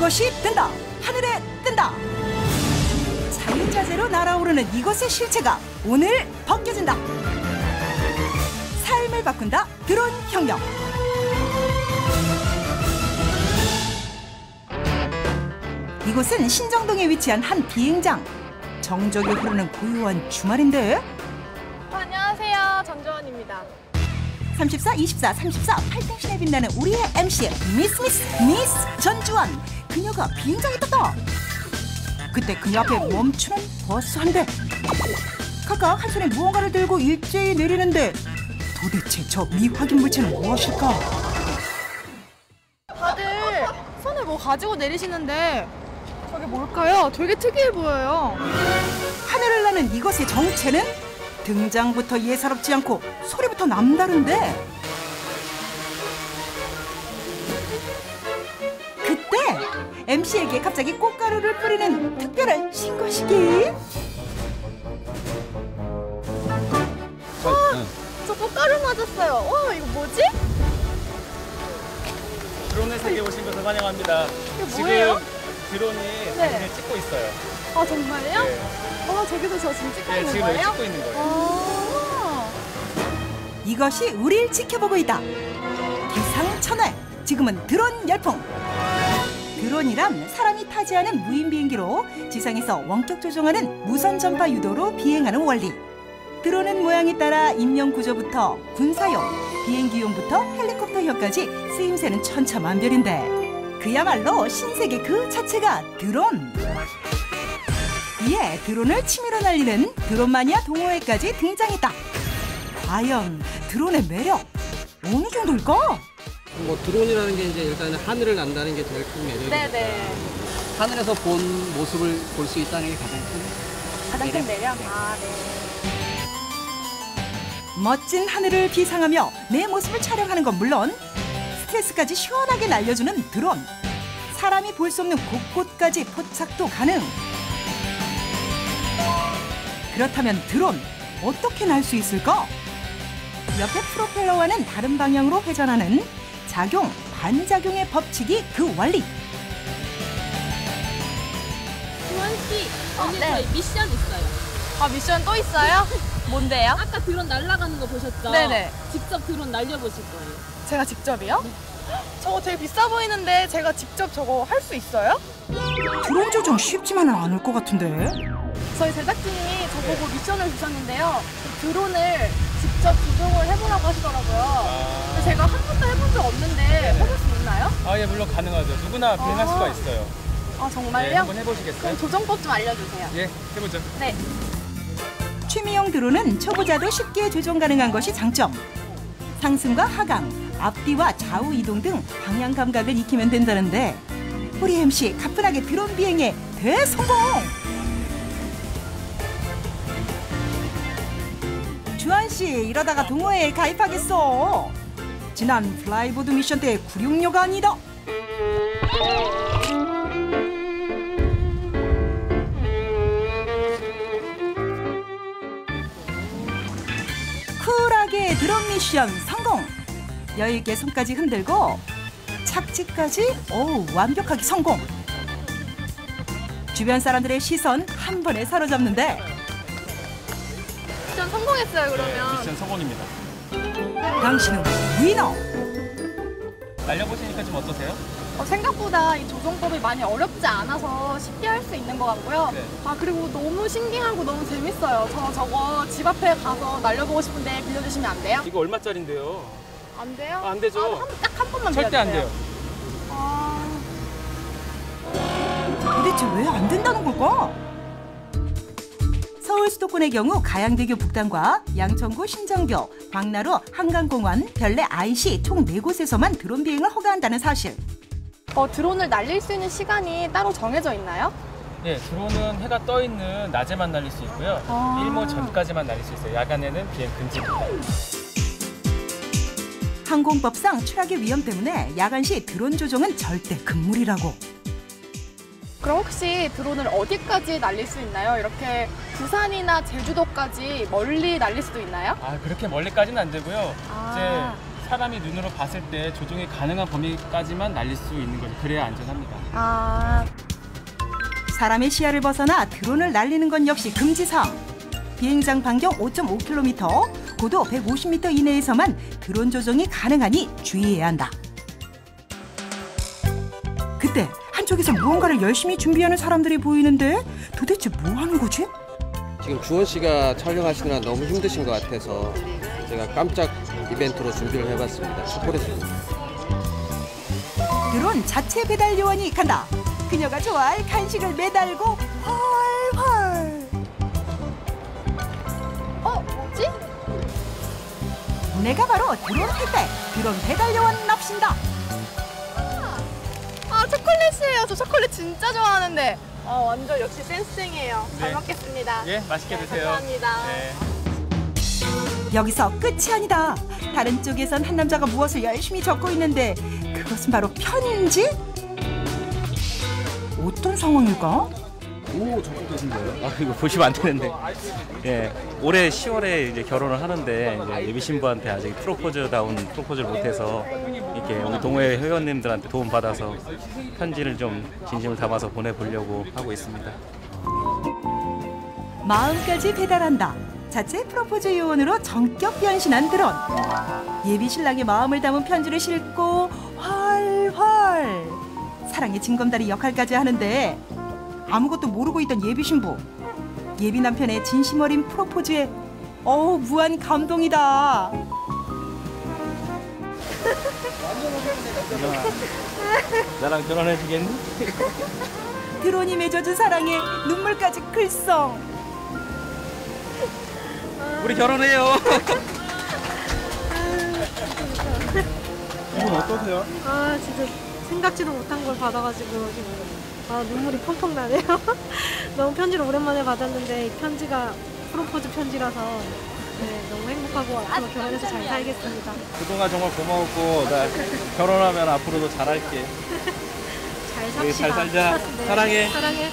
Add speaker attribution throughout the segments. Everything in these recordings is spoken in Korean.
Speaker 1: 이것이 뜬다. 하늘에 뜬다. 자유자재로 날아오르는 이것의 실체가 오늘 벗겨진다. 삶을 바꾼다. 드론 혁명. 이곳은 신정동에 위치한 한 비행장. 정적이 흐르는 고요한 주말인데.
Speaker 2: 안녕하세요. 전조원입니다.
Speaker 1: 34, 24, 34 팔등신에 빛나는 우리의 MC 미스 전주원. 그녀가 비행장에 떴다. 그때 그녀 앞에 멈추는 버스 한 대. 각각 한 손에 무언가를 들고 일제히 내리는데 도대체 저 미확인 물체는 무엇일까?
Speaker 2: 다들 손에 뭐 가지고 내리시는데 저게 뭘까요? 되게 특이해 보여요.
Speaker 1: 하늘을 나는 이것의 정체는 등장부터 예사롭지 않고 소리부터 남다른데 그때 MC에게 갑자기 꽃가루를 뿌리는 특별한 신고식이.
Speaker 2: 저 꽃가루 맞았어요. 와, 이거 뭐지?
Speaker 3: 드론의 세계 오신 것을 환영합니다.
Speaker 2: 이게 뭐예요?
Speaker 3: 지금 드론이 사진을 찍고 있어요.
Speaker 2: 아, 정말요?
Speaker 3: 네.
Speaker 2: 저기서 저 지금 찍고 있는
Speaker 3: 지금
Speaker 2: 거예요?
Speaker 3: 여기 찍고 있는 거예요.
Speaker 1: 이것이 우릴 지켜보고 있다. 기상천외, 지금은 드론 열풍. 드론이란 사람이 타지 않은 무인 비행기로 지상에서 원격 조종하는 무선 전파 유도로 비행하는 원리. 드론은 모양에 따라 인명 구조부터 군사용, 비행기용부터 헬리콥터형까지 쓰임새는 천차만별인데 그야말로 신세계 그 자체가 드론. 이에 드론을 치밀어 날리는 드론 마니아 동호회까지 등장했다. 과연 드론의 매력 어느 정도일까?
Speaker 4: 뭐 드론이라는 게 이제 일단은 하늘을 난다는 게 제일 큰 매력이죠.
Speaker 2: 네네.
Speaker 4: 하늘에서 본 모습을 볼 수 있다는 게
Speaker 2: 가장 큰 매력? 아, 네.
Speaker 1: 멋진 하늘을 비상하며 내 모습을 촬영하는 건 물론 스트레스까지 시원하게 날려주는 드론. 사람이 볼 수 없는 곳곳까지 포착도 가능. 그렇다면 드론 어떻게 날 수 있을까? 옆에 프로펠러와는 다른 방향으로 회전하는 작용, 반작용의 법칙이 그 원리.
Speaker 5: 주원 씨, 오늘
Speaker 2: 네.
Speaker 5: 저희 미션 있어요.
Speaker 2: 아, 미션 또 있어요? 뭔데요?
Speaker 5: 아까 드론 날아가는 거 보셨죠?
Speaker 2: 네네.
Speaker 5: 직접 드론 날려보실 거예요.
Speaker 2: 제가 직접이요? 저거 되게 비싸 보이는데 제가 직접 저거 할 수 있어요?
Speaker 1: 드론 조종 쉽지만은 않을 것 같은데.
Speaker 2: 저희 제작진이 저보고 미션을 주셨는데요. 그 드론을 직접 조종을 해보라고 하시더라고요. 근데 제가 한 번도 해본 적 없는데 해볼 수 있나요?
Speaker 3: 아, 예, 물론 가능하죠. 누구나 비행할 수가 있어요.
Speaker 2: 아, 정말요?
Speaker 3: 네, 한번 해보시겠어요?
Speaker 2: 그럼 조정법 좀 알려주세요.
Speaker 3: 예, 해보죠.
Speaker 2: 네.
Speaker 1: 취미용 드론은 초보자도 쉽게 조종 가능한 것이 장점. 상승과 하강, 앞뒤와 좌우 이동 등 방향 감각을 익히면 된다는데 우리 MC 가뿐하게 드론 비행에 대성공! 주한씨 이러다가 동호회에 가입하겠어. 지난 플라이보드 미션 때 구룡료가 아니다. 쿨하게 드론 미션 성공. 여유있게 손까지 흔들고 착지까지 완벽하게 성공. 주변 사람들의 시선 한 번에 사로잡는데
Speaker 2: 미션 성공했어요, 그러면.
Speaker 3: 미션 성공입니다.
Speaker 1: 당신은 위너.
Speaker 3: 날려보시니까 좀 어떠세요?
Speaker 2: 생각보다 이 조종법이 많이 어렵지 않아서 쉽게 할 수 있는 것 같고요.
Speaker 3: 네.
Speaker 2: 아, 그리고 너무 신기하고 너무 재밌어요. 저거 집 앞에 가서 날려보고 싶은데 빌려주시면 안 돼요?
Speaker 3: 이거 얼마짜린데요?
Speaker 2: 안 돼요?
Speaker 3: 안 되죠.
Speaker 2: 딱 한 번만
Speaker 3: 절대 안 돼요.
Speaker 2: 아...
Speaker 1: 도대체 왜 안 된다는 걸까? 서울 수도권의 경우 가양대교 북단과 양천구 신정교, 광나루 한강공원, 별내 IC 총 4곳에서만 드론 비행을 허가한다는 사실.
Speaker 2: 드론을 날릴 수 있는 시간이 따로 정해져 있나요?
Speaker 3: 예, 드론은 해가 떠 있는 낮에만 날릴 수 있고요. 일몰 전까지만 날릴 수 있어요. 야간에는 비행 금지입니다.
Speaker 1: 항공법상 추락의 위험 때문에 야간 시 드론 조종은 절대 금물이라고.
Speaker 2: 그럼 혹시 드론을 어디까지 날릴 수 있나요? 이렇게 부산이나 제주도까지 멀리 날릴 수도 있나요?
Speaker 3: 아, 그렇게 멀리까지는 안 되고요.
Speaker 2: 아.
Speaker 3: 이제 사람이 눈으로 봤을 때 조종이 가능한 범위까지만 날릴 수 있는 거죠. 그래야 안전합니다.
Speaker 2: 아,
Speaker 1: 사람의 시야를 벗어나 드론을 날리는 건 역시 금지사항. 비행장 반경 5.5km, 고도 150m 이내에서만 드론 조종이 가능하니 주의해야 한다. 그때 한쪽에서 무언가를 열심히 준비하는 사람들이 보이는데 도대체 뭐 하는 거지?
Speaker 4: 지금 주원 씨가 촬영하시느라 너무 힘드신 것 같아서 제가 깜짝 이벤트로 준비를 해봤습니다. 초콜릿입니다.
Speaker 1: 드론 자체 배달 요원이 간다. 그녀가 좋아할 간식을 매달고 헐헐.
Speaker 2: 뭐지?
Speaker 1: 내가 바로 드론 탈때 드론 배달 요원 납신다.
Speaker 2: 아, 초콜릿이에요. 저 초콜릿 진짜 좋아하는데. 완전 역시 센스쟁이에요. 잘
Speaker 3: 네.
Speaker 2: 먹겠습니다.
Speaker 3: 예, 맛있게 드세요.
Speaker 2: 감사합니다.
Speaker 3: 네.
Speaker 1: 여기서 끝이 아니다. 다른 쪽에선 한 남자가 무엇을 열심히 적고 있는데 그것은 바로 편지? 어떤 상황일까?
Speaker 6: 오, 적극적인데요. 아, 이거 보시면 안 되는데. 예, 올해 10월에 이제 결혼을 하는데 이제 예비 신부한테 아직 프로포즈다운 프로포즈를 못해서 이렇게 우리 동호회 회원님들한테 도움 받아서 편지를 좀 진심을 담아서 보내보려고 하고 있습니다.
Speaker 1: 마음까지 배달한다. 자체 프로포즈 요원으로 전격 변신한 드론. 예비 신랑의 마음을 담은 편지를 싣고 활활. 사랑의 징검다리 역할까지 하는데 아무것도 모르고 있던 예비 신부. 예비 남편의 진심 어린 프로포즈에 무한 감동이다.
Speaker 6: 나랑 결혼해주겠니?
Speaker 1: 드론이 맺어준 사랑에 눈물까지 글썽.
Speaker 6: 우리 결혼해요.
Speaker 3: 기분 어떠세요?
Speaker 7: 아 진짜 생각지도 못한 걸 받아가지고 지금 눈물이 펑펑 나네요. 너무 편지를 오랜만에 받았는데 이 편지가 프로포즈 편지라서 너무 행복하고 앞으로 결혼해서 잘 살겠습니다.
Speaker 6: 그동안 정말 고마웠고 나 결혼하면 앞으로도 잘할게.
Speaker 7: 잘
Speaker 6: 우리
Speaker 7: 삽시다.
Speaker 6: 잘 살자.
Speaker 7: 네,
Speaker 6: 사랑해.
Speaker 7: 사랑해.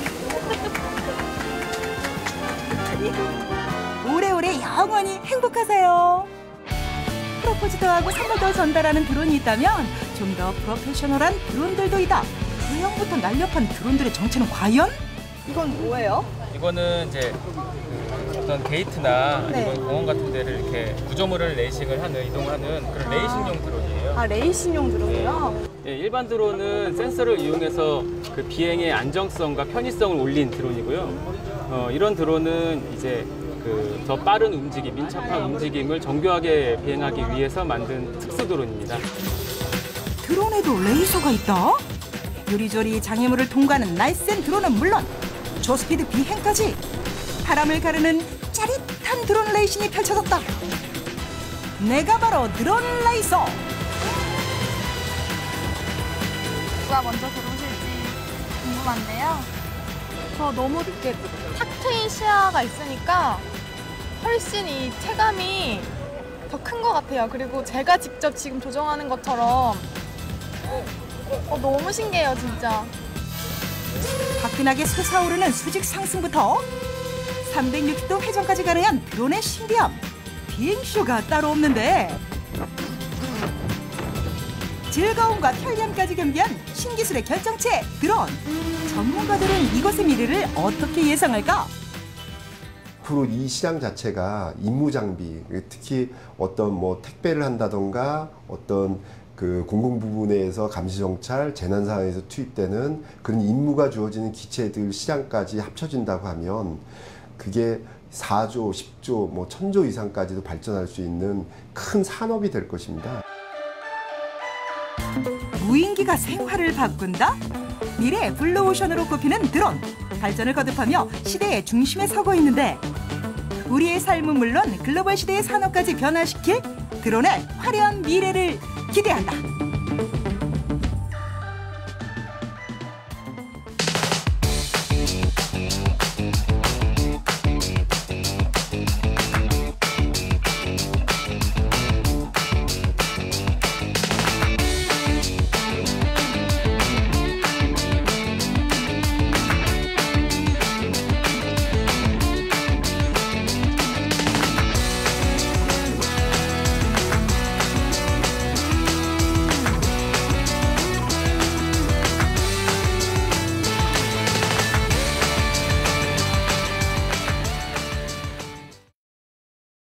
Speaker 1: 오래오래 영원히 행복하세요. 프로포즈도 하고 선물도 전달하는 드론이 있다면 좀 더 프로페셔널한 드론들도 있다. 구형부터 날렵한 드론들의 정체는 과연?
Speaker 2: 이건 뭐예요?
Speaker 3: 이거는 이제 어떤 게이트나
Speaker 2: 네.
Speaker 3: 아니면 공원 같은 데를 이렇게 구조물을 레이싱을 하는 이동하는 그런 레이싱용 드론이에요.
Speaker 2: 아, 레이싱용 드론이요?
Speaker 3: 예, 일반 드론은 센서를 이용해서 그 비행의 안정성과 편의성을 올린 드론이고요. 이런 드론은 이제 그 더 빠른 움직임, 민첩한 움직임을 정교하게 비행하기 위해서 만든 특수 드론입니다.
Speaker 1: 드론에도 레이저가 있다? 요리조리 장애물을 통과하는 날쌘 드론은 물론 저스피드 비행까지 바람을 가르는 짜릿한 드론 레이싱이 펼쳐졌다. 내가 바로 드론 레이서.
Speaker 2: 누가 먼저 들어오실지 궁금한데요. 저 너무 이렇게 탁 트인 시야가 있으니까 훨씬 이 체감이 더 큰 것 같아요. 그리고 제가 직접 지금 조정하는 것처럼 너무 신기해요, 진짜.
Speaker 1: 화끈하게 솟아오르는 수직 상승부터 360도 회전까지 가능한 드론의 신비함. 비행쇼가 따로 없는데 즐거움과 편리함까지 겸비한 신기술의 결정체 드론. 전문가들은 이것의 미래를 어떻게 예상할까?
Speaker 8: 앞으로 이 시장 자체가 임무 장비, 특히 어떤 뭐 택배를 한다던가 어떤 그 공공 부분에서 감시 정찰, 재난 상황에서 투입되는 그런 임무가 주어지는 기체들 시장까지 합쳐진다고 하면 그게 4조, 10조, 뭐 1000조 이상까지도 발전할 수 있는 큰 산업이 될 것입니다.
Speaker 1: 무인기가 생활을 바꾼다? 미래의 블루오션으로 꼽히는 드론. 발전을 거듭하며 시대의 중심에 서고 있는데 우리의 삶은 물론 글로벌 시대의 산업까지 변화시킬 드론의 화려한 미래를 기대한다.